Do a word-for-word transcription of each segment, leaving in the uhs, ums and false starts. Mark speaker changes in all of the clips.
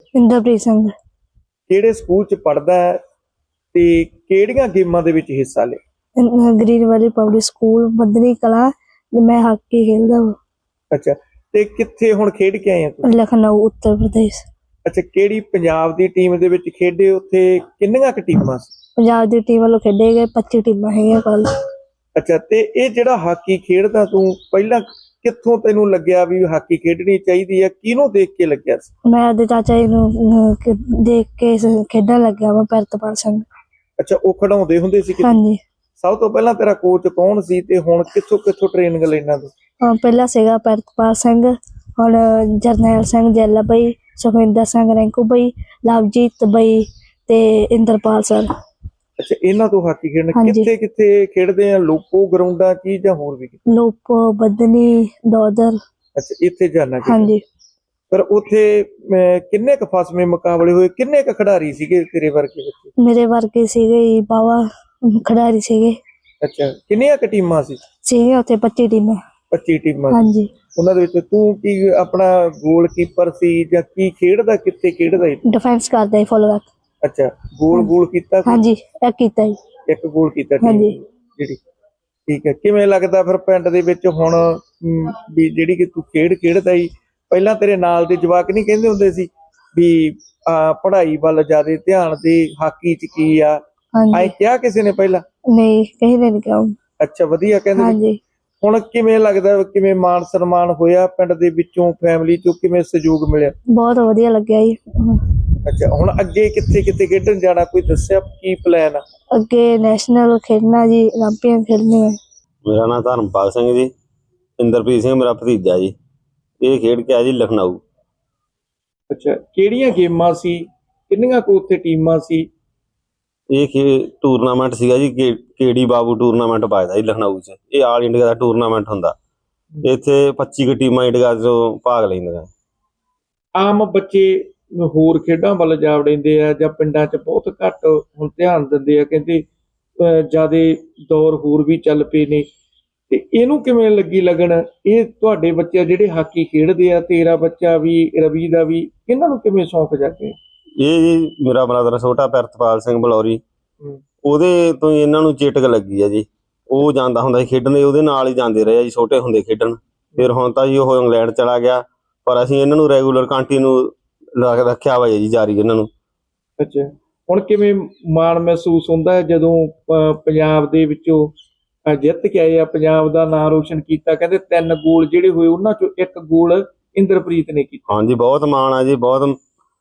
Speaker 1: ਇੰਦਰਪ੍ਰੀਤ ਸਿੰਘ।
Speaker 2: ਕਿਹੜੇ ਸਕੂਲ ਚ ਪੜ੍ਹਦਾ ਹੈ ਤੇ ਕਿਹੜੀਆਂ ਗੇਮਾਂ ਦੇ ਵਿੱਚ ਹਿੱਸਾ ਲਿਆ?
Speaker 1: Green Valley Public School Baddni Kalan. ਮੈਂ ਹਾਕੀ ਖੇਡਦਾ ਵਾ।
Speaker 2: ਅੱਛਾ, ਤੇ ਕਿੱਥੇ ਹੁਣ ਖੇਡ ਕੇ ਆਏ ਆ ਤੁਸੀਂ?
Speaker 1: ਲਖਨਊ ਉੱਤਰ ਪ੍ਰਦੇਸ਼।
Speaker 2: ਅੱਛਾ, ਕਿਹੜੀ ਪੰਜਾਬ ਦੀ ਟੀਮ ਦੇ ਵਿੱਚ ਖੇਡੇ? ਉੱਥੇ ਕਿੰਨੀਆਂ ਕੁ ਟੀਮਾਂ ਸੀ?
Speaker 1: ਪੰਜਾਬ ਦੀ ਟੀਮ ਵੱਲੋਂ ਖੇਡੇ ਗਏ ਪੱਚੀ ਟੀਮਾਂ ਹੈਗੀਆਂ ਕੱਲ।
Speaker 2: ਅੱਛਾ, ਤੇ ਇਹ ਜਿਹੜਾ ਹਾਕੀ ਖੇਡਦਾ ਤੂੰ ਪਹਿਲਾਂ ਕਿੱਥੋਂ ਤੈਨੂੰ ਲੱਗਿਆ ਵੀ ਹਾਕੀ ਖੇਡਣੀ ਚਾਹੀਦੀ ਹੈ? ਕਿਹਨੂੰ ਦੇਖ ਕੇ ਲੱਗਿਆ ਸੀ?
Speaker 1: ਮੈਂ ਉਹਦੇ ਚਾਚਾ ਜੀ ਨੂੰ ਅਹ, ਕ- ਦੇਖ ਕੇ ਸ- ਖੇਡਣ ਲੱਗਿਆ ਵਾ ਪ੍ਰਿਤਪਾਲ ਸਿੰਘ।
Speaker 2: ਅੱਛਾ, ਉਹ ਖਿਡਾਉਂਦੇ ਹੁੰਦੇ ਸੀ ਕਿਤੇ?
Speaker 1: ਹਾਂਜੀ।
Speaker 2: ਸਭ ਤੋਂ ਪਹਿਲਾਂ ਤੇਰਾ ਕੋਚ ਕੌਣ ਸੀ ਤੇ ਹੁਣ ਕਿੱਥੋਂ ਕਿੱਥੋਂ ਟ੍ਰੇਨਿੰਗ ਲੈਣਾ ਤੂੰ?
Speaker 1: ਅਹ ਪਹਿਲਾਂ ਸੀਗਾ ਪ੍ਰਿਤਪਾਲ ਸਿੰਘ, ਹੁਣ ਜਰਨੈਲ ਸਿੰਘ ਜੈਲਾ ਬਈ, ਸੁਖਵਿੰਦਰ ਸਿੰਘ ਰੈਂਕੂ ਬਈ, ਲਵਜੀਤ ਬਈ ਤੇ ਇੰਦਰਪਾਲ ਸਰ।
Speaker 2: ਅੱਛਾ, ਇਹਨਾਂ ਤੋਂ ਹਾਕੀ ਖੇਡਣ
Speaker 1: ਹਾਂਜੀ।
Speaker 2: ਕਿੱਥੇ ਕਿੱਥੇ ਖੇਡਦੇ ਆ? ਲੋਕੋ ਗਰਾਊਂਡਾਂ ਕੀ ਜਾਂ ਹੋਰ ਵੀ ਕਿਤੇ?
Speaker 1: ਲੋਪੋ ਬੱਦਨੀ ਦੋਦਰ।
Speaker 2: ਅੱਛਾ, ਇੱਥੇ ਜਾਣਾ ਚਾਹੀਦਾ।
Speaker 1: ਹਾਂਜੀ।
Speaker 2: ਪਰ ਉੱਥੇ ਅਹ, ਕਿੰਨੇ ਕੁ ਫਸਵੇਂ ਮੁਕਾਬਲੇ ਹੋਏ? ਕਿੰਨੇ ਕੁ ਖਿਡਾਰੀ ਸੀਗੇ ਤੇਰੇ ਵਰਗੇ ਬੱਚੇ?
Speaker 1: ਮੇਰੇ ਵਰਗੇ ਸੀਗੇ ਜੀ ਬਾਵਾ ਖਿਡਾਰੀ ਸੀਗੇ।
Speaker 2: ਅੱਛਾ, ਕਿੰਨੀਆਂ ਕੁ ਟੀਮਾਂ ਸੀ?
Speaker 1: ਸੀਗੇ ਉੱਥੇ ਪੱਚੀ ਟੀਮਾਂ।
Speaker 2: ਪੱਚੀ ਟੀਮਾਂ ਸੀ।
Speaker 1: ਹਾਂਜੀ।
Speaker 2: ਉਹਨਾਂ ਦੇ ਵਿੱਚ ਤੂੰ ਕੀ ਆਪਣਾ ਗੋਲਕੀਪਰ ਸੀ ਜਾਂ ਕੀ ਖੇਡਦਾ? ਕਿੱਥੇ ਖੇਡਦਾ ਸੀ?
Speaker 1: ਡਿਫੈਂਸ ਕਰਦਾ ਜੀ ਫੁੱਲ ਬੈਕ।
Speaker 2: ਅੱਛਾ, ਗੋਲ ਗੋਲ ਕੀਤਾ ਕੋਈ?
Speaker 1: ਹਾਂਜੀ, ਇਹ ਕੀਤਾ ਜੀ।
Speaker 2: ਇੱਕ ਗੋਲ ਕੀਤਾ ਟੀਮ
Speaker 1: ਹਾਂਜੀ।
Speaker 2: ਜਿਹੜੀ। ਠੀਕ ਹੈ, ਕਿਵੇਂ ਲੱਗਦਾ ਫਿਰ ਪਿੰਡ ਦੇ ਵਿੱਚ ਹੁਣ ਅਮ, ਵੀ ਜਿਹੜੀ ਕਿ ਤੂੰ ਖੇਡ ਖੇਡਦਾ ਸੀ, ਪਹਿਲਾਂ ਤੇਰੇ ਨਾਲ ਦੇ ਜਵਾਕ ਨਹੀਂ ਕਹਿੰਦੇ ਹੁੰਦੇ ਸੀ ਵੀ ਆ ਪੜ੍ਹਾਈ ਵੱਲ ਜ਼ਿਆਦਾ ਧਿਆਨ ਦੇ, ਹਾਕੀ ਚ ਕੀ ਆ? ਐ
Speaker 1: ਹਾਂਜੀ।
Speaker 2: ਕਿਹਾ ਕਿਸੇ ਨੇ ਪਹਿਲਾਂ?
Speaker 1: ਨਹੀਂ ਕਹੀ ਨਹੀਂ ਕਿਹਾ।
Speaker 2: ਅੱਛਾ, ਵਧੀਆ ਕਹਿੰਦੇ ਨੇ।
Speaker 1: ਹਾਂਜੀ।
Speaker 2: ਹੁਣ ਕਿਵੇਂ ਲੱਗਦਾ, ਕਿਵੇਂ ਮਾਣ ਸਨਮਾਨ ਹੋਇਆ ਪਿੰਡ ਦੇ ਵਿੱਚੋਂ, ਫੈਮਿਲੀ ਚੋਂ ਕਿਵੇਂ ਸਹਿਯੋਗ ਮਿਲਿਆ?
Speaker 1: ਬਹੁਤ ਵਧੀਆ ਲੱਗਿਆ ਜੀ।
Speaker 2: ਅੱਛਾ, ਹੁਣ ਅੱਗੇ ਕਿੱਥੇ ਕਿੱਥੇ ਖੇਡਣ ਜਾਣਾ ਕੋਈ ਦੱਸਿਆ? ਕੀ ਪਲਾਨ ਆ?
Speaker 1: ਅੱਗੇ ਨੈਸ਼ਨਲ ਖੇਡਣਾ ਜੀ, 올림픽 ਖੇਡਣੇ ਹੈ।
Speaker 3: ਮੇਰਾ ਨਾਮ ਧਰਮਪਾਲ ਸਿੰਘ ਜੀ। ਇੰਦਰਪ੍ਰੀਤ ਸਿੰਘ ਮੇਰਾ ਭਤੀਜਾ ਜੀ। ਇਹ ਖੇਡ ਕੇ ਆਇਆ ਜੀ ਲਖਨਊ।
Speaker 2: ਅੱਛਾ, ਕਿਹੜੀਆਂ ਗੇਮਾਂ ਸੀ? ਕਿੰਨੀਆਂ ਕੁ ਉੱਥੇ ਟੀਮਾਂ ਸੀ?
Speaker 3: ਇਹ ਖੇ ਟੂਰਨਾਮੈਂਟ ਸੀਗਾ ਜੀ, ਕੇ ਕੇਡੀ ਬਾਬੂ ਟੂਰਨਾਮੈਂਟ ਪਾਇਦਾ ਜੀ ਲਖਨਊ 'ਚ। ਇਹ ਆਲ ਇੰਡੀਆ ਦਾ ਟੂਰਨਾਮੈਂਟ ਹੁੰਦਾ। ਇੱਥੇ ਪੱਚੀ ਕੁ ਟੀਮਾਂ ਇੰਡੀਆ 'ਚੋਂ ਭਾਗ ਲੈਂਦੀਆਂ।
Speaker 2: ਆਮ ਬੱਚੇ ਹੋਰ ਖੇਡਾਂ ਵੱਲ ਜਾ ਵੜਦੇ ਆ ਜਾਂ ਪਿੰਡਾਂ 'ਚ ਬਹੁਤ ਘੱਟ ਹੁਣ ਧਿਆਨ ਦਿੰਦੇ ਆ? ਕਹਿੰਦੇ ਜਿਆਦਾ ਦੌਰ ਹੋਰ ਵੀ ਚੱਲ ਪਏ ਨੇ, ਤੇ ਇਹਨੂੰ ਕਿਵੇਂ ਲੱਗੀ ਲੱਗਣ? ਇਹ ਤੁਹਾਡੇ ਬੱਚੇ ਜਿਹੜੇ ਹਾਕੀ ਖੇਡਦੇ ਆ, ਤੇਰਾ ਬੱਚਾ ਵੀ, ਰਵੀ ਦਾ ਵੀ, ਇਹਨਾਂ ਨੂੰ ਕਿਵੇਂ ਸ਼ੌਂਕ ਜਾਗੇ?
Speaker 3: ਇਹ ਜੀ ਮੇਰਾ ਬ੍ਰਦਰ ਛੋਟਾ ਪ੍ਰਿਤਪਾਲ ਸਿੰਘ ਬਲੌਰੀ, ਉਹਦੇ ਤੋਂ ਹੀ ਇਹਨਾਂ ਨੂੰ ਚੇਟਕ ਲੱਗੀ ਆ ਜੀ। ਉਹ ਜਾਂਦਾ ਹੁੰਦਾ ਸੀ ਖੇਡਣ, ਉਹਦੇ ਨਾਲ ਹੀ ਜਾਂਦੇ ਰਹੇ ਆ ਜੀ ਛੋਟੇ ਹੁੰਦੇ ਖੇਡਣ। ਫਿਰ ਹੁਣ ਤਾਂ ਜੀ ਉਹ ਇੰਗਲੈਂਡ ਚਲਾ ਗਿਆ, ਪਰ ਅਸੀਂ ਇਹਨਾਂ ਨੂੰ ਰੈਗੂਲਰ ਕੰਟੀਨਿਊ ਰੱਖਿਆ ਵਾ ਜੀ ਜਾਰੀ ਇਹਨਾਂ ਨੂੰ।
Speaker 2: ਅੱਛਾ, ਹੁਣ ਕਿਵੇਂ ਮਾਣ ਮਹਿਸੂਸ ਹੁੰਦਾ ਹੈ ਜਦੋਂ ਅਹ, ਪੰਜਾਬ ਦੇ ਵਿੱਚੋਂ ਅਹ, ਜਿੱਤ ਕੇ ਆਏ ਆ, ਪੰਜਾਬ ਦਾ ਨਾਮ ਰੋਸ਼ਨ ਕੀਤਾ? ਕਹਿੰਦੇ ਤਿੰਨ ਗੋਲ ਜਿਹੜੇ ਹੋਏ ਉਹਨਾਂ ਚੋਂ ਇੱਕ ਗੋਲ ਇੰਦਰਪ੍ਰੀਤ ਨੇ ਕੀਤਾ।
Speaker 3: ਹਾਂਜੀ, ਬਹੁਤ ਮਾਣ ਆ ਜੀ। ਬਹੁਤ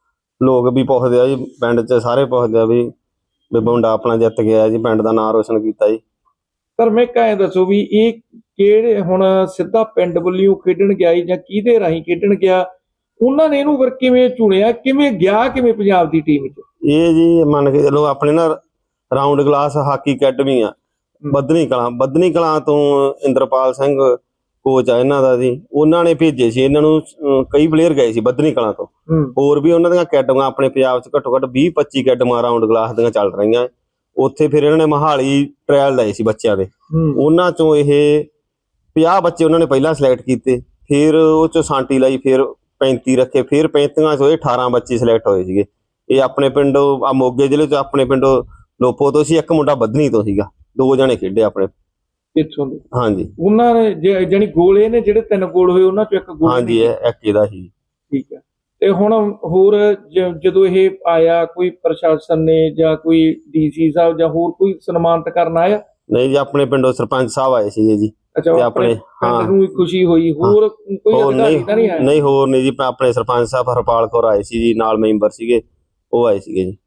Speaker 3: ਲੋਕ ਵੀ ਪੁੱਛਦੇ ਆ ਜੀ, ਪਿੰਡ 'ਚ ਸਾਰੇ ਪੁੱਛਦੇ ਆ ਵੀ ਵੀ ਮੁੰਡਾ ਆਪਣਾ ਜਿੱਤ ਗਿਆ ਜੀ, ਪਿੰਡ ਦਾ ਨਾਮ ਰੋਸ਼ਨ ਕੀਤਾ ਜੀ।
Speaker 2: ਪਰ ਮੈਂ ਕਹੇ ਦੱਸੋ ਵੀ ਇਹ ਕਿਹੜੇ ਹੁਣ ਸਿੱਧਾ ਪਿੰਡ ਵੱਲੋਂ ਖੇਡਣ ਗਿਆ ਜਾਂ ਕਿਹਦੇ ਰਾਹੀਂ ਖੇਡਣ ਗਿਆ? ਉਹਨਾਂ ਨੇ ਇਹਨੂੰ ਫਿਰ ਕਿਵੇਂ ਚੁਣਿਆ? ਕਿਵੇਂ ਗਿਆ ਕਿਵੇਂ ਪੰਜਾਬ ਦੀ ਟੀਮ 'ਚ?
Speaker 3: ਇਹ ਜੀ ਮੰਨ ਕੇ ਚਲੋ ਆਪਣੇ ਨਾ ਰਾਉਂਡ ਗਲਾਸ ਹਾਕੀ ਅਕੈਡਮੀ ਆ ਬੱਧਨੀ ਕਲਾਂ। ਬੱਧਨੀ ਕਲਾਂ ਤੋਂ ਇੰਦਰਪਾਲ ਸਿੰਘ ਕੋਚ ਆ ਇਹਨਾਂ ਦਾ ਜੀ। ਉਹਨਾਂ ਨੇ ਭੇਜੇ ਸੀ ਇਹਨਾਂ ਨੂੰ। ਅਹ ਕਈ ਪਲੇਅਰ ਗਏ ਸੀ ਬੱਧਨੀ ਕਲਾਂ ਤੋਂ। ਹੋਰ ਵੀ ਉਹਨਾਂ ਦੀਆਂ ਅਕੈਡਮੀਆਂ ਆਪਣੇ ਪੰਜਾਬ 'ਚ ਘੱਟੋ ਘੱਟ ਵੀਹ ਪੱਚੀ ਅਕੈਡਮੀਆਂ ਰਾਉਂਡ ਗਲਾਸ ਦੀਆਂ ਚੱਲ ਰਹੀਆਂ। ਉੱਥੇ ਫਿਰ ਇਹਨਾਂ ਨੇ ਮੋਹਾਲੀ ਟ੍ਰਾਇਲ ਲਏ ਸੀ ਬੱਚਿਆਂ ਦੇ। ਉਹਨਾਂ ਚੋਂ ਇਹ ਪੰਜਾਹ ਬੱਚੇ ਉਹਨਾਂ ਨੇ ਪਹਿਲਾਂ ਸਿਲੈਕਟ ਕੀਤੇ, ਫਿਰ ਉਹ ਚੋਂ ਸਾਂਟੀ ਲਈ, ਫਿਰ ਪੈਂਤੀ ਰੱਖੇ, ਫਿਰ ਪੈਂਤੀਆਂ ਚੋਂ ਇਹ ਅਠਾਰਾਂ ਬੱਚੇ ਸਿਲੈਕਟ ਹੋਏ ਸੀਗੇ। ਇਹ ਆਪਣੇ ਪਿੰਡੋਂ ਆ ਮੋਗੇ ਜ਼ਿਲ੍ਹੇ 'ਚ ਆਪਣੇ ਪਿੰਡੋਂ ਲੋਪੋ ਤੋਂ ਸੀ, ਇੱਕ ਮੁੰਡਾ ਬੱਧਨੀ ਤੋਂ ਸੀਗਾ। ਦੋ ਜਣੇ ਖੇਡੇ ਆਪਣੇ
Speaker 2: ਇੱਥੋਂ ਦੇ।
Speaker 3: ਹਾਂਜੀ,
Speaker 2: ਉਹਨਾਂ ਨੇ ਜਾਨੀ ਗੋਲ ਇਹ ਨੇ ਜਿਹੜੇ ਤਿੰਨ ਗੋਲ ਹੋਏ ਉਹਨਾਂ ਚੋਂ ਇੱਕ ਗੋਲ?
Speaker 3: ਹਾਂਜੀ, ਇਹ ਇੱਕ ਇਹਦਾ ਸੀ।
Speaker 2: ਠੀਕ ਹੈ, ਤੇ ਹੁਣ ਹੋਰ ਜਦੋਂ ਇਹ ਆਇਆ ਕੋਈ ਪ੍ਰਸ਼ਾਸਨ ਨੇ ਜਾਂ ਕੋਈ ਡੀਸੀ ਸਾਹਿਬ ਜਾਂ ਹੋਰ ਕੋਈ ਸਨਮਾਨਿਤ ਕਰਨ ਆਇਆ?
Speaker 3: ਨਹੀਂ ਜੀ, ਆਪਣੇ ਪਿੰਡੋਂ ਸਰਪੰਚ ਸਾਹਿਬ ਆਏ ਸੀਗੇ ਜੀ।
Speaker 2: ਅੱਛਾ, ਆਪਣੇ ਪਿੰਡ ਨੂੰ ਖੁਸ਼ੀ ਹੋਈ? ਹੋਰ ਕੋਈ ਅਧਿਕਾਰੀ ਤਾਂ ਨਹੀਂ ਆਇਆ?
Speaker 3: ਨਹੀਂ, ਹੋਰ ਨਹੀਂ ਜੀ। ਆਪਣੇ ਸਰਪੰਚ ਸਾਹਿਬ ਹਰਪਾਲ ਕੌਰ ਆਏ ਸੀ ਜੀ, ਨਾਲ ਮੈਂਬਰ ਸੀਗੇ, ਉਹ ਆਏ ਸੀਗੇ ਜੀ।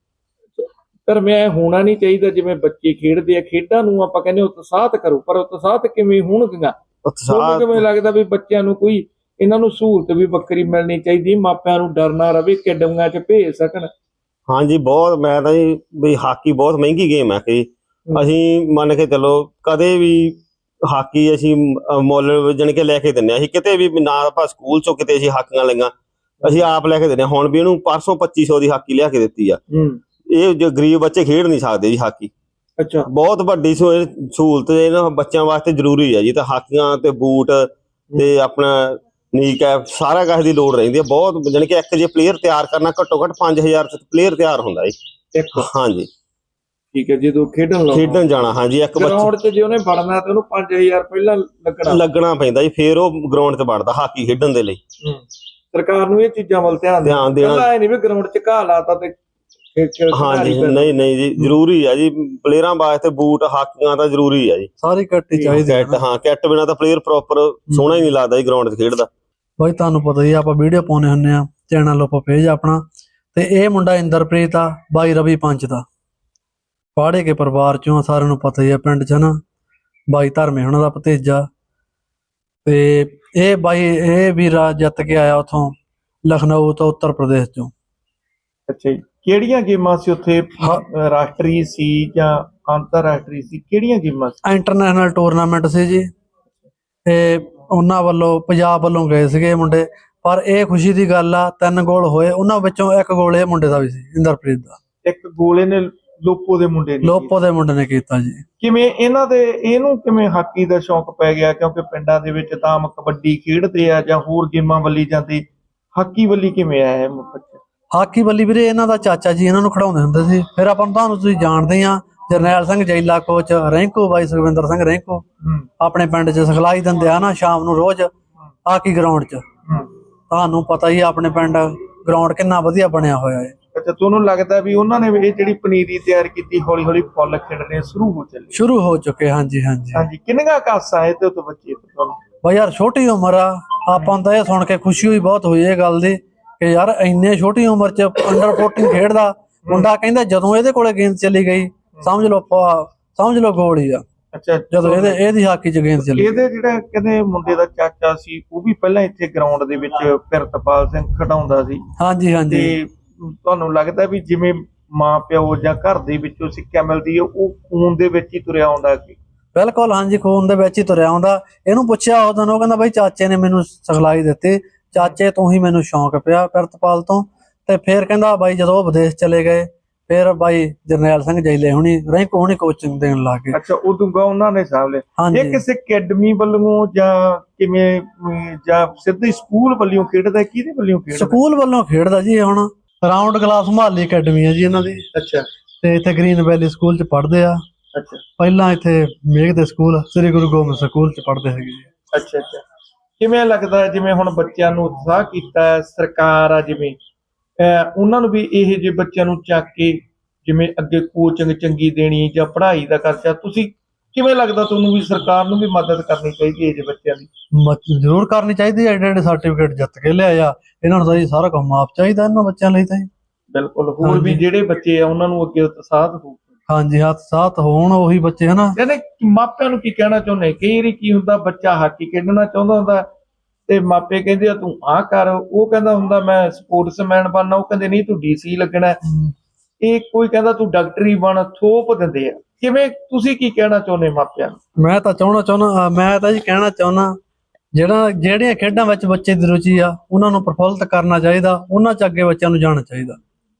Speaker 2: ਪਰ ਮੈਂ ਹੋਣਾ ਨਹੀਂ ਚਾਹੀਦਾ ਜਿਵੇਂ ਬੱਚੇ ਖੇਡਦੇ ਆ, ਖੇਡਾਂ ਨੂੰ ਆਪਾਂ ਕਹਿੰਦੇ ਉਤਸ਼ਾਹਤ ਕਰੋ, ਪਰ ਉਤਸ਼ਾਹਤ ਕਿਵੇਂ ਹੋਣਗੀਆਂ? ਉਤਸ਼ਾਹ ਕਿਵੇਂ ਲੱਗਦਾ ਵੀ ਬੱਚਿਆਂ ਨੂੰ ਕੋਈ ਇਹਨਾਂ ਨੂੰ ਸਹੂਲਤ ਵੀ ਵੱਖਰੀ ਮਿਲਣੀ ਚਾਹੀਦੀ, ਮਾਪਿਆਂ ਨੂੰ ਡਰ ਨਾ ਰਵੇ, ਅਕੈਡਮੀਆਂ 'ਚ ਭੇਜ ਸਕਣ?
Speaker 3: ਹਾਂਜੀ, ਬਹੁਤ। ਮੈਂ ਤਾਂ ਜੀ ਵੀ ਹਾਕੀ ਬਹੁਤ ਮਹਿੰਗੀ ਗੇਮ ਹੈ ਕਿ ਅਸੀਂ ਮੰਨ ਕੇ ਚਲੋ ਕਦੇ ਵੀ ਹਾਕੀ ਅਸੀਂ ਮੁੱਲ ਜਾਣੀ ਕਿ ਲੈ ਕੇ ਦਿੰਦੇ ਹਾਂ। ਅਸੀਂ ਕਿਤੇ ਵੀ ਨਾ ਆਪਾਂ ਸਕੂਲ 'ਚੋਂ ਕਿਤੇ ਅਸੀਂ ਹਾਕੀਆਂ ਲਈਆਂ, ਅਸੀਂ ਆਪ ਲੈ ਕੇ ਦਿੰਦੇ ਹਾਂ। ਹੁਣ ਵੀ ਇਹਨੂੰ ਪਰਸੋਂ ਪੱਚੀ ਸੌ ਦੀ ਹਾਕੀ ਲਿਆ ਕੇ ਦਿੱਤੀ ਆ। ਇਹ ਜੋ ਗਰੀਬ ਬੱਚੇ ਖੇਡ ਨਹੀਂ ਸਕਦੇ ਜੀ ਹਾਕੀ।
Speaker 2: ਅੱਛਾ, ਬਹੁਤ
Speaker 3: ਵੱਡੀ ਸਹੂਲਤ ਇਹਨਾਂ ਬੱਚਿਆਂ ਵਾਸਤੇ ਜ਼ਰੂਰੀ ਹੈ ਜੀ। ਤਾਂ ਹਾਕੀਆਂ ਤੇ ਬੂਟ ਤੇ ਆਪਣਾ ਨੀ ਕੈਪ ਸਾਰਾ ਕੁਝ ਦੀ ਲੋੜ ਰਹਿੰਦੀ ਹੈ ਬਹੁਤ, ਜਾਣੀ ਕਿ ਇੱਕ ਜੇ ਪਲੇਅਰ ਤਿਆਰ ਕਰਨਾ ਘੱਟੋ ਘੱਟ ਪੰਜ ਹਜ਼ਾਰ ਚ ਪਲੇਅਰ ਤਿਆਰ ਹੁੰਦਾ ਜੀ
Speaker 2: ਇੱਕ
Speaker 3: ਹਾਂਜੀ।
Speaker 2: ਠੀਕ ਹੈ, ਜਦੋਂ ਖੇਡਣ ਲਾਉਣਾ
Speaker 3: ਖੇਡਣ ਜਾਣਾ ਹਾਂਜੀ, ਇੱਕ
Speaker 2: ਗਰਾਊਂਡ 'ਚ ਜੇ ਉਹਨੇ ਵੜਨਾ ਤੇ ਉਹਨੂੰ ਪੰਜ ਹਜ਼ਾਰ ਪਹਿਲਾਂ ਲੱਗਣਾ
Speaker 3: ਲੱਗਣਾ ਪੈਂਦਾ ਜੀ, ਫੇਰ ਉਹ ਗਰਾਊਂਡ 'ਚ ਵੜਦਾ ਹਾਕੀ ਖੇਡਣ ਦੇ ਲਈ।
Speaker 2: ਸਰਕਾਰ ਨੂੰ ਇਹ ਚੀਜ਼ਾਂ ਵੱਲ ਧਿਆਨ
Speaker 3: ਧਿਆਨ ਦੇਣਾ,
Speaker 2: ਇਹ ਨਹੀਂ ਵੀ ਗਰਾਊਂਡ 'ਚ ਘਾਹ ਲਾਤਾ ਤੇ
Speaker 3: ਹਾਂਜੀ ਨਹੀਂ ਨਹੀਂ ਜੀ ਜ਼ਰੂਰੀ ਆ ਜੀ, ਪਲੇਅਰਾਂ ਵਾਸਤੇ ਬੂਟ ਹਾਕੀਆਂ ਤਾਂ ਜ਼ਰੂਰੀ ਆ ਜੀ,
Speaker 4: ਸਾਰੀ ਕਿੱਟ ਹੀ ਚਾਹੀਦੀ
Speaker 3: ਕਿੱਟ। ਹਾਂ ਕਿੱਟ ਬਿਨਾਂ ਤਾਂ ਪਲੇਅਰ ਪ੍ਰੋਪਰ ਸੋਹਣਾ ਹੀ ਨਹੀਂ ਲੱਗਦਾ ਜੀ ਗਰਾਊਂਡ 'ਚ ਖੇਡਦਾ।
Speaker 4: ਬਾਈ ਤੁਹਾਨੂੰ ਪਤਾ ਹੀ ਆਪਾਂ ਵੀਡੀਓ ਪਾਉਣੇ ਹੁੰਦੇ ਆ ਚੈਨਲ ਉੱਪਰ ਪੇਜ ਆਪਣਾ, ਤੇ ਇਹ ਮੁੰਡਾ ਇੰਦਰਪ੍ਰੀਤ ਆ ਬਾਈ ਰਵੀ ਪੰਚ ਦਾ, ਪਾੜੇ ਕੇ ਪਰਿਵਾਰ ਚੋਂ, ਸਾਰਿਆਂ ਨੂੰ ਪਤਾ ਹੀ ਆ ਪਿੰਡ 'ਚ ਨਾ, ਬਾਈ ਧਰਮੇ ਉਹਨਾਂ ਦਾ ਭਤੀਜਾ। ਤੇ ਇਹ ਬਾਈ ਇਹ ਵੀ ਰਾਜ ਜਿੱਤ ਕੇ ਆਇਆ ਉਥੋਂ ਲਖਨਊ ਤੋਂ, ਉੱਤਰ ਪ੍ਰਦੇਸ਼ ਚੋਂ।
Speaker 2: ਅੱਛਾ ਜੀ, ਕਿਹੜੀਆਂ ਗੇਮਾਂ ਸੀ ਉੱਥੇ, ਰਾਸ਼ਟਰੀ ਸੀ ਜਾਂ ਅੰਤਰਰਾਸ਼ਟਰੀ ਸੀ, ਕਿਹੜੀਆਂ ਗੇਮਾਂ ਸੀ?
Speaker 4: ਇੰਟਰਨੈਸ਼ਨਲ ਟੂਰਨਾਮੈਂਟ ਸੀ ਜੀ, ਤੇ ਉਹਨਾਂ ਵੱਲੋਂ ਪੰਜਾਬ ਵੱਲੋਂ ਗਏ ਸੀਗੇ ਮੁੰਡੇ। ਪਰ ਇਹ ਖੁਸ਼ੀ ਦੀ ਗੱਲ ਆ ਤਿੰਨ ਗੋਲ ਹੋਏ, ਉਹਨਾਂ ਵਿੱਚੋਂ ਇੱਕ ਗੋਲ ਇਹ ਮੁੰਡੇ ਦਾ ਵੀ ਸੀ, ਇੰਦਰਪ੍ਰੀਤ ਦਾ।
Speaker 2: ਇੱਕ ਗੋਲ ਇਹਨੇ ਲੋਪੋ ਦੇ ਮੁੰਡੇ ਨੇ
Speaker 4: ਲੋਪੋ ਦੇ ਮੁੰਡੇ ਨੇ ਕੀਤਾ ਜੀ।
Speaker 2: ਕਿਵੇਂ ਇਹਨਾਂ ਦੇ ਇਹਨੂੰ ਕਿਵੇਂ ਹਾਕੀ ਦਾ ਸ਼ੌਂਕ ਪੈ ਗਿਆ? ਕਿਉਂਕਿ ਪਿੰਡਾਂ ਦੇ ਵਿੱਚ ਤਾਂ ਆਮ ਕਬੱਡੀ ਖੇਡਦੇ ਆ ਜਾਂ ਹੋਰ ਗੇਮਾਂ ਵੱਲੀ ਜਾਂਦੇ, ਹਾਕੀ ਵੱਲੀ ਕਿਵੇਂ ਆਇਆ ਇਹ ਬੱਚਾ?
Speaker 4: ਹਾਕੀ ਵੱਲੀ ਵੀਰੇ ਇਹਨਾਂ ਦਾ ਚਾਚਾ ਜੀ ਇਹਨਾਂ ਨੂੰ ਖਿਡਾਉਂਦੇ ਹੁੰਦੇ ਸੀ। ਫਿਰ ਆਪਾਂ ਨੂੰ ਤੁਹਾਨੂੰ ਤੁਸੀਂ ਜਾਣਦੇ ਆ ਜਰਨੈਲ ਸਿੰਘ ਜੈਲਾ ਕੋਚ, ਰੈਂਕੋ ਬਾਈ ਸੁਖਵਿੰਦਰ ਸਿੰਘ ਰੈਂਕੋ ਆਪਣੇ ਪਿੰਡ 'ਚ ਸਿਖਲਾਈ ਦਿੰਦੇ ਆ ਨਾ ਸ਼ਾਮ ਨੂੰ ਰੋਜ਼ ਹਾਕੀ ਗਰਾਊਂਡ 'ਚ। ਤੁਹਾਨੂੰ ਪਤਾ ਹੀ ਆਪਣੇ ਪਿੰਡ ਗਰਾਊਂਡ ਕਿੰਨਾ ਵਧੀਆ ਬਣਿਆ ਹੋਇਆ ਹੈ।
Speaker 2: ਅੱਛਾ, ਤੁਹਾਨੂੰ ਲੱਗਦਾ ਵੀ ਉਹਨਾਂ ਨੇ ਇਹ ਜਿਹੜੀ ਪਨੀਰੀ ਤਿਆਰ ਕੀਤੀ ਹੌਲੀ ਹੌਲੀ ਫੁੱਲ ਖਿੜਨੇ ਸ਼ੁਰੂ ਹੋ ਚੱਲੇ?
Speaker 4: ਸ਼ੁਰੂ ਹੋ ਚੁੱਕੇ ਹਾਂਜੀ ਹਾਂਜੀ
Speaker 2: ਹਾਂਜੀ। ਕਿੰਨੀਆਂ ਕਾਸਾਂ ਇਹ ਤੇ ਤੋਂ ਬੱਚੇ ਤੁਹਾਨੂੰ?
Speaker 4: ਬਾਈ ਯਾਰ ਛੋਟੀ ਉਮਰ ਆ, ਆਪਾਂ ਨੂੰ ਤਾਂ ਇਹ ਸੁਣ ਕੇ ਖੁਸ਼ੀ ਹੋਈ ਬਹੁਤ ਹੋਈ ਇਹ ਗੱਲ ਦੀ ਕਿ ਯਾਰ ਇੰਨੇ ਛੋਟੀ ਉਮਰ 'ਚ ਅੰਡਰ ਫੋਰਟੀਨ ਖੇਡਦਾ ਮੁੰਡਾ। ਕਹਿੰਦਾ ਜਦੋਂ ਇਹਦੇ ਕੋਲੇ ਗੇਂਦ ਚਲੀ ਗਈ ਸਮਝ ਲਓ ਸਮਝ ਲਓ ਗੋਲ ਹੀ ਆ।
Speaker 2: ਅੱਛਾ,
Speaker 4: ਜਦੋਂ ਇਹਦੇ ਇਹਦੀ ਹਾਕੀ 'ਚ ਗੇਂਦ ਚਲੀ,
Speaker 2: ਇਹਦੇ ਜਿਹੜਾ ਕਹਿੰਦੇ ਮੁੰਡੇ ਦਾ ਚਾਚਾ ਸੀ ਉਹ ਵੀ ਪਹਿਲਾਂ ਇੱਥੇ ਗਰਾਊਂਡ ਦੇ ਵਿੱਚ ਪਿਰਤਪਾਲ ਸਿੰਘ ਖਿਡਾਉਂਦਾ ਸੀ।
Speaker 4: ਹਾਂਜੀ ਹਾਂਜੀ।
Speaker 2: ਤੇ ਤੁਹਾਨੂੰ ਲੱਗਦਾ ਵੀ ਜਿਵੇਂ ਮਾਂ ਪਿਓ ਜਾਂ ਘਰ ਦੇ ਵਿੱਚੋਂ ਸਿੱਖਿਆ ਮਿਲਦੀ ਹੈ ਉਹ ਖੂਨ ਦੇ ਵਿੱਚ ਹੀ ਤੁਰਿਆ ਆਉਂਦਾ? ਕਿ
Speaker 4: ਬਿਲਕੁਲ ਹਾਂਜੀ, ਖੂਨ ਦੇ ਵਿੱਚ ਹੀ ਤੁਰਿਆ ਆਉਂਦਾ। ਇਹਨੂੰ ਪੁੱਛਿਆ ਉਦੋਂ, ਉਹ ਕਹਿੰਦਾ ਬਾਈ ਚਾਚੇ ਨੇ ਮੈਨੂੰ ਸਿਖਲਾਈ ਦਿੱਤੀ, ਚਾਚੇ ਤੋਂ ਹੀ ਮੈਨੂੰ ਸ਼ੌਂਕ ਪਿਆ ਪਿਰਤਪਾਲ ਤੋਂ। ਤੇ ਫਿਰ ਕਹਿੰਦਾ ਬਾਈ ਜਦੋਂ ਉਹ ਵਿਦੇਸ਼ ਚਲੇ ਗਏ ਫਿਰ ਬਾਈ ਜਰਨੈਲ ਸਿੰਘ ਜੈਲੇ ਹੁਣੀ ਰੈਂਕੋ ਹੁਣੀ ਕੋਚਿੰਗ ਦੇਣ ਲੱਗ ਗਏ।
Speaker 2: ਅੱਛਾ, ਉਦੋਂ ਗਾ ਉਹਨਾਂ ਨੇ ਸਾਂਭ ਲਿਆ। ਇਹ ਕਿਸੇ ਅਕੈਡਮੀ ਵੱਲੋਂ ਜਾਂ ਕਿਵੇਂ, ਜਾਂ ਸਿੱਧੇ ਸਕੂਲ ਵੱਲੋਂ ਖੇਡਦਾ? ਕਿਹਦੇ ਵੱਲੋਂ ਖੇਡਦਾ?
Speaker 4: ਸਕੂਲ ਵੱਲੋਂ ਖੇਡਦਾ ਜੀ। ਹੁਣ ਰਾਉਂਡ ਕਲਾਸ ਮੁਹਾਲੀ ਅਕੈਡਮੀ ਹੈ ਜੀ ਇਹਨਾਂ ਦੀ।
Speaker 2: ਅੱਛਾ।
Speaker 4: ਤੇ ਇੱਥੇ ਗ੍ਰੀਨ ਵੈਲੀ ਸਕੂਲ 'ਚ ਪੜ੍ਹਦੇ ਆ।
Speaker 2: ਅੱਛਾ। ਪਹਿਲਾਂ
Speaker 4: ਇੱਥੇ ਮੇਘ ਦੇ ਸਕੂਲ ਸ੍ਰੀ ਗੁਰੂ ਗੋਬਿੰਦ ਸਕੂਲ 'ਚ ਪੜ੍ਹਦੇ ਹੈਗੇ ਜੀ।
Speaker 2: ਅੱਛਾ ਅੱਛਾ। ਕਿਵੇਂ ਲੱਗਦਾ ਜਿਵੇਂ ਹੁਣ ਬੱਚਿਆਂ ਨੂੰ ਉਤਸ਼ਾਹ ਕੀਤਾ ਸਰਕਾਰ ਆ, ਜਿਵੇਂ ਉਹਨਾਂ ਨੂੰ ਵੀ ਇਹ ਜਿਹੇ ਬੱਚਿਆਂ ਨੂੰ ਚੱਕ ਕੇ ਜਿਵੇਂ ਅੱਗੇ ਕੋਚਿੰਗ ਚੰਗੀ ਦੇਣੀ ਜਾਂ ਪੜ੍ਹਾਈ ਦਾ ਖਰਚਾ, ਤੁਸੀਂ ਕਿਵੇਂ ਲੱਗਦਾ ਤੁਹਾਨੂੰ ਵੀ ਸਰਕਾਰ ਨੂੰ ਵੀ ਮਦਦ ਕਰਨੀ ਚਾਹੀਦੀ ਹੈ ਜੇ ਬੱਚਿਆਂ ਦੀ?
Speaker 4: ਜ਼ਰੂਰ ਕਰਨੀ ਚਾਹੀਦੀ ਹੈ। ਐਡੇ ਐਡੇ ਸਰਟੀਫਿਕੇਟ ਜਿੱਤ ਕੇ ਲਿਆਇਆ, ਇਹਨਾਂ ਨੂੰ ਤਾਂ ਜੀ ਸਾਰਾ ਕੰਮ ਮਾਫ ਚਾਹੀਦਾ ਇਹਨਾਂ ਬੱਚਿਆਂ ਲਈ ਤਾਂ ਜੀ।
Speaker 2: ਬਿਲਕੁਲ। ਹੋਰ ਵੀ ਜਿਹੜੇ ਬੱਚੇ ਆ ਉਹਨਾਂ ਨੂੰ ਅੱਗੇ ਉਤਸ਼ਾਹਤ ਹੋ,
Speaker 4: ਹਾਂਜੀ ਹੱਥ ਸਾਥ ਹੋਣ ਉਹੀ ਬੱਚੇ ਹਨਾ।
Speaker 2: ਕਹਿੰਦੇ ਮਾਪਿਆਂ ਨੂੰ ਕੀ ਕਹਿਣਾ ਚਾਹੁੰਦੇ? ਕਈ ਵਾਰੀ ਕੀ ਹੁੰਦਾ, ਬੱਚਾ ਹਾਕੀ ਖੇਡਣਾ ਚਾਹੁੰਦਾ ਹੁੰਦਾ ਤੇ ਮਾਪੇ ਕਹਿੰਦੇ ਆ ਤੂੰ ਆਹ ਕਰ, ਉਹ ਕਹਿੰਦਾ ਹੁੰਦਾ ਮੈਂ ਸਪੋਰਟਸਮੈਨ ਬਣਨਾ, ਉਹ ਕਹਿੰਦੇ ਨਹੀਂ ਤੂੰ ਡੀਸੀ ਲੱਗਣਾ, ਇਹ ਕੋਈ ਕਹਿੰਦਾ ਤੂੰ ਡਾਕਟਰੀ ਬਣ, ਥੋਪ ਦਿੰਦੇ ਆ। ਕਿਵੇਂ, ਤੁਸੀਂ ਕੀ ਕਹਿਣਾ ਚਾਹੁੰਦੇ ਮਾਪਿਆਂ ਨੂੰ?
Speaker 4: ਮੈਂ ਤਾਂ ਚਾਹਣਾ ਚਾਹੁੰਦਾ ਮੈਂ ਤਾਂ ਜੀ ਕਹਿਣਾ ਚਾਹੁੰਦਾ ਜਿਹੜਾ ਜਿਹੜੀਆਂ ਖੇਡਾਂ ਵਿੱਚ ਬੱਚੇ ਦੀ ਰੁਚੀ ਆ ਉਹਨਾਂ ਨੂੰ ਪ੍ਰਫੁੱਲਤ ਕਰਨਾ ਚਾਹੀਦਾ, ਉਹਨਾਂ 'ਚ ਅੱਗੇ ਬੱਚਿਆਂ ਨੂੰ ਜਾਣਾ ਚਾਹੀਦਾ।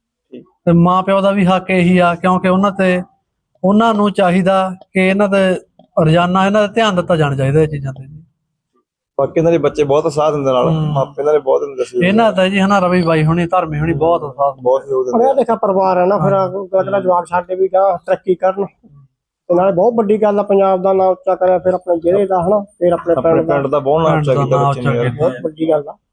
Speaker 4: ਤੇ ਮਾਂ ਪਿਓ ਦਾ ਵੀ ਹੱਕ ਇਹੀ ਆ, ਕਿਉਂਕਿ ਉਹਨਾਂ ਤੇ ਉਹਨਾਂ ਨੂੰ ਚਾਹੀਦਾ ਕਿ ਇਹਨਾਂ ਤੇ ਰੋਜ਼ਾਨਾ ਇਹਨਾਂ ਦਾ ਧਿਆਨ ਦਿੱਤਾ ਜਾਣਾ ਚਾਹੀਦਾ ਇਹ ਚੀਜ਼ਾਂ ਤੇ।
Speaker 5: ਬਾਕੀ ਇਹਨਾਂ ਦੇ ਬੱਚੇ ਬਹੁਤ ਸਾਥ ਦਿੰਦੇ ਨਾਲ, ਮਾਪੇ ਇਹਨਾਂ ਦੇ ਬਹੁਤ ਦਿੰਦੇ ਸੀ
Speaker 4: ਇਹਨਾਂ ਦਾ ਜੀ ਹਨਾ। ਰਵੀ ਬਾਈ ਹੁਣੀ ਧਰਮੇ ਹੁਣੀ ਬਹੁਤ ਸਾਥ
Speaker 5: ਬਹੁਤ ਸਹਿਯੋਗ ਦਿੰਦੇ।
Speaker 6: ਪੜਿਆ ਲਿਖਿਆ ਪਰਿਵਾਰ ਹੈ ਨਾ, ਫਿਰ ਅਗਲਾ ਜਵਾਕ ਸਾਡੇ ਵੀ ਗਾ ਤਰੱਕੀ ਕਰਨ, ਤੇ ਨਾਲੇ ਬਹੁਤ ਵੱਡੀ ਗੱਲ ਆ ਪੰਜਾਬ ਦਾ ਨਾਂ ਉੱਚਾ ਕਰਿਆ, ਫਿਰ ਆਪਣੇ ਜ਼ਿਲ੍ਹੇ ਦਾ ਹਨਾ, ਫਿਰ ਆਪਣੇ ਪਿੰਡ ਦਾ
Speaker 5: ਪਿੰਡ ਦਾ ਬਹੁਤ ਨਾਮ ਉੱਚਾ ਕੀਤਾ ਬੱਚੇ ਨੇ,
Speaker 6: ਬਹੁਤ ਵੱਡੀ ਗੱਲ ਆ।